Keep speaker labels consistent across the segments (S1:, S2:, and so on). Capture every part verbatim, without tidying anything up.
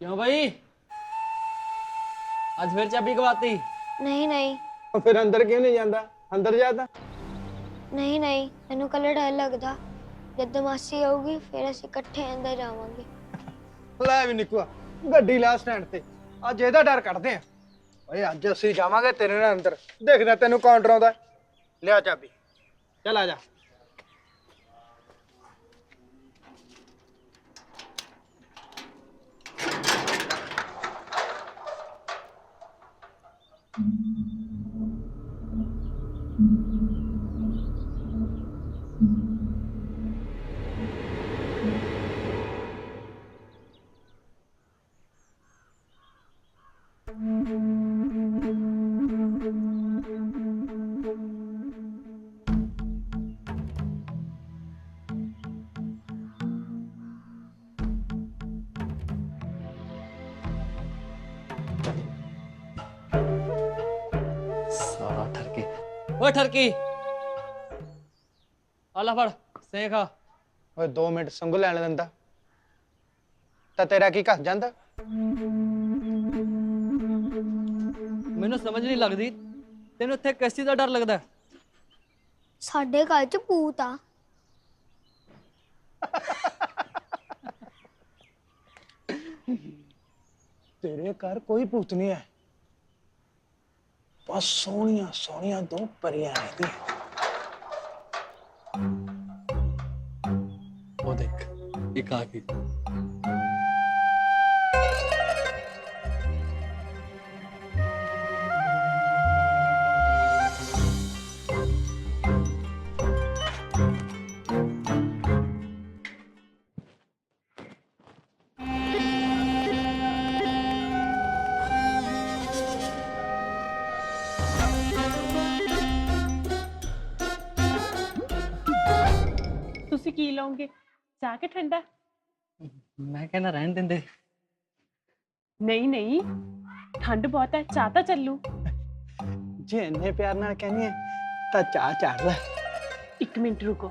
S1: क्यों भाई आज फिर चाबी गवाती?
S2: नहीं नहीं
S3: ਉਹ ਫਿਰ ਅੰਦਰ ਕਿਉਂ ਨਹੀਂ ਜਾਂਦਾ? ਅੰਦਰ ਜਾ ਤਾਂ।
S2: नहीं नहीं मैनू कल डर लगदा जद मासी आऊगी फिर ਅਸੀਂ ਇਕੱਠੇ ਅੰਦਰ ਜਾਵਾਂਗੇ।
S3: ਲੈ ਵੀ ਨਿਕੂਆ ਗੱਡੀ ਲਾ ਸਟੈਂਡ ਤੇ। ਅੱਜ ਇਹਦਾ ਡਰ ਕੱਢਦੇ ਆ। ਓਏ ਅੱਜ ਅਸੀਂ ਜਾਵਾਂਗੇ ਤੇਰੇ ਨਾਲ ਅੰਦਰ। ਦੇਖਦਾ ਤੈਨੂੰ ਕੌਣ ਡਰਾਉਂਦਾ। ਲਿਆ ਚਾਬੀ। ਚੱਲ ਆ ਜਾ।
S1: सारा ठरकी ओए ठरकी आला फड़ सें खा।
S3: ਓਏ ਦੋ ਮਿੰਟ ਸੰਗ ਲੈਣ ਦਿੰਦਾ ਤਾਂ ਤੇਰਾ ਕੀ ਘਸ ਜਾਂਦਾ।
S1: ਮੈਨੂੰ ਸਮਝ ਨਹੀਂ ਲੱਗਦੀ ਤੈਨੂੰ ਇੱਥੇ ਕਿਸ ਚੀਜ਼ ਦਾ ਡਰ ਲੱਗਦਾ ਹੈ?
S2: ਸਾਡੇ ਘਰ ਚ ਭੂਤ ਆ।
S3: ਤੇਰੇ ਘਰ ਕੋਈ ਭੂਤ ਨਹੀਂ ਹੈ। ਬਸ ਸੋਹਣੀਆਂ ਸੋਹਣੀਆਂ ਦੋ ਪਰੀਆਂ ਰਹਿੰਦੀਆਂ।
S1: वो देख एक आ गई।
S4: ਤੁਸੀਂ ਕੀ ਲਓਗੇ ਚਾਹ ਕੇ ਠੰਡਾ?
S1: मैं कहना रहन देंदे।
S4: ਨਹੀਂ ਨਹੀਂ ਠੰਡ ਬਹੁਤ ਹੈ ਚਾਹ ਤਾਂ ਚੱਲੂ।
S3: ਜੇ ਇੰਨੇ ਪਿਆਰ ਨਾਲ ਕਹਿੰਦੀ ਹੈ ਤਾਂ ਚਾਹ ਚਾੜ ਲੈ।
S4: ਇੱਕ ਮਿੰਟ ਰੁਕੋ।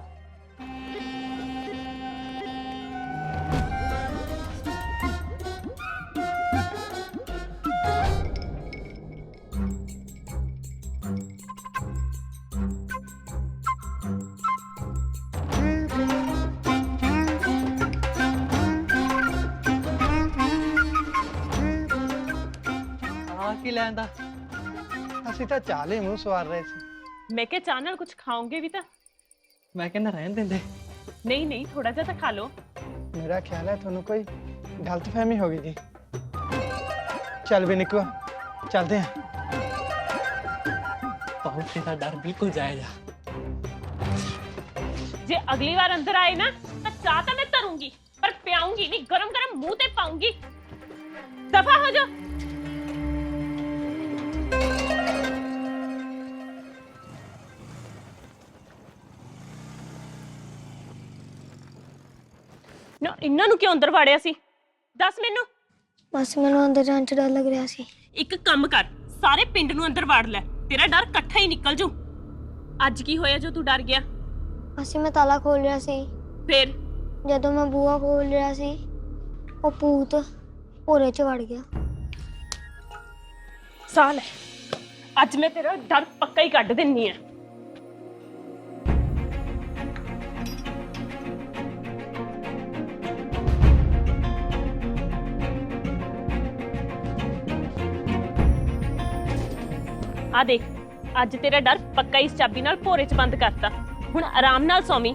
S1: ਆ ਕੀ ਲੈਂਦਾ?
S3: ਅਸੀਂ ਤਾਂ ਚਾਹ ਲਈ ਮੂੰਹ ਸਵਾਰ ਰਹੇ ਸੀ।
S4: ਮੈਂ ਕਿਹਾ ਚਾਹ ਨਾਲ ਕੁਝ ਖਾਓਗੇ ਵੀ ਤਾਂ?
S1: मैं कहना रहन देंदे।
S4: ਨਹੀਂ ਨਹੀਂ ਥੋੜਾ ਜਿਹਾ ਤਾਂ ਖਾ ਲਓ।
S3: ਮੇਰਾ ਖਿਆਲ ਹੈ ਤੁਹਾਨੂੰ ਕੋਈ ਗਲਤਫਹਿਮੀ ਹੋ ਗਈ ਜੀ। ਚੱਲ ਵੀ ਨਿਕਲੋ ਚੱਲਦੇ ਹਾਂ।
S1: बहुत तेरा डर बिल्कुल जायजा।
S4: ਜੇ ਅਗਲੀ ਵਾਰ ਅੰਦਰ ਆਏ ਨਾ ਤਾਂ ਚਾਹ ਤਾਂ ਮੈਂ ਧਰੂੰਗੀ ਪਰ ਪਿਆਉਂਗੀ ਨਹੀਂ, ਗਰਮ ਗਰਮ ਮੂੰਹ ਤੇ ਪਾਉਂਗੀ। ਦਫਾ ਹੋ ਜਾ। ਨਾ ਇਹਨਾਂ ਨੂੰ ਕਿਉਂ ਅੰਦਰ ਵਾੜਿਆ ਸੀ ਦੱਸ ਮੈਨੂੰ।
S2: ਬਸ ਮੈਨੂੰ ਅੰਦਰ ਜਾਣ ਚ ਡਰ ਲੱਗ ਰਿਹਾ ਸੀ।
S4: ਇੱਕ ਕੰਮ ਕਰ ਸਾਰੇ ਪਿੰਡ ਨੂੰ ਅੰਦਰ ਵਾੜ ਲੈ, ਤੇਰਾ ਡਰ ਇਕੱਠਾ ਹੀ ਨਿਕਲ ਜੂ। ਅੱਜ ਕੀ ਹੋਇਆ ਜੋ ਤੂੰ ਡਰ ਗਿਆ?
S2: ਅਸੀਂ ਮੈਂ ਤਾਲਾ ਖੋਲ ਰਿਹਾ ਸੀ,
S4: ਫਿਰ
S2: ਜਦੋਂ ਮੈਂ ਬੂਹਾ ਖੋਲ ਰਿਹਾ ਸੀ ਉਹ ਭੂਤ ਭੋਰੇ ਚ ਵੜ ਗਿਆ।
S4: ਸਾਲ ਹੈ ਅੱਜ ਮੈਂ ਤੇਰਾ ਡਰ ਪੱਕਾ ਹੀ ਕੱਢ ਦਿੰਨੀ ਆ। ਆ ਦੇਖ ਅੱਜ ਤੇਰਾ ਡਰ ਪੱਕਾ ਇਸ ਚਾਬੀ ਨਾਲ ਭੋਰੇ ਚ ਬੰਦ ਕਰਤਾ। ਹੁਣ ਆਰਾਮ ਨਾਲ ਸੌਵੀਂ।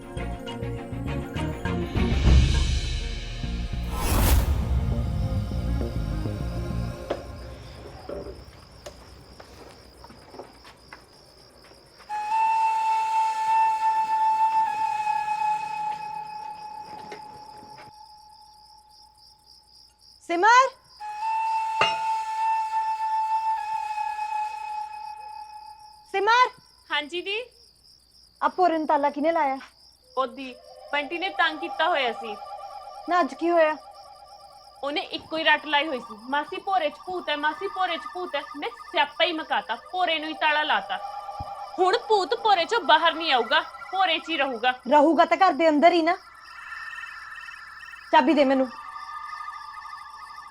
S5: सिमर सिमर
S4: ਹਾਂਜੀ ਦੀ
S5: अब पूरन ताला किने लाया?
S4: ਉਹਦੀ ਬੰਟੀ ਨੇ ਤੰਗ ਕੀਤਾ ਹੋਇਆ ਸੀ।
S5: ना अज की होया?
S4: ਉਹਨੇ ਇੱਕੋ ਹੀ ਰੱਟ ਲਾਈ ਹੋਈ ਸੀ, ਮਾਸੀ ਭੋਰੇ ਚ ਭੂਤ ਹੈ, ਮਾਸੀ ਭੋਰੇ ਚ ਭੂਤ ਹੈ। ਮੈਂ ਸਿਆਪਾ ਹੀ ਮਕਾਤਾ, ਭੋਰੇ ਨੂੰ ਹੀ ਤਾਲਾ ਲਾਤਾ। ਹੁਣ ਭੂਤ ਭੋਰੇ ਚੋਂ ਬਾਹਰ ਨਹੀਂ ਆਊਗਾ, ਭੋਰੇ ਚ ਹੀ ਰਹੂਗਾ।
S5: ਰਹੂਗਾ ਤਾਂ ਘਰ ਦੇ ਅੰਦਰ ਹੀ ਨਾ। ਚਾਬੀ ਦੇ ਮੈਨੂੰ।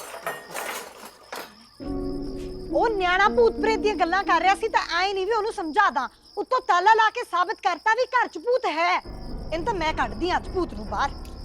S5: ਉਹ ਨਿਆਣਾ ਭੂਤ ਪ੍ਰੇਤ ਦੀਆਂ ਗੱਲਾਂ ਕਰ ਰਿਹਾ ਸੀ ਤਾਂ ਐ ਨਹੀਂ ਵੀ ਉਹਨੂੰ ਸਮਝਾ ਦਾਂ। ਉੱਤੋਂ ਤਾਲਾ ਲਾ ਕੇ ਸਾਬਤ ਕਰਤਾ ਵੀ ਘਰ 'ਚ ਭੂਤ ਹੈ। ਇਹਨੂੰ ਤਾਂ ਮੈਂ ਕੱਢਦੀ ਆਂ ਅੱਜ ਭੂਤ ਨੂੰ ਬਾਹਰ।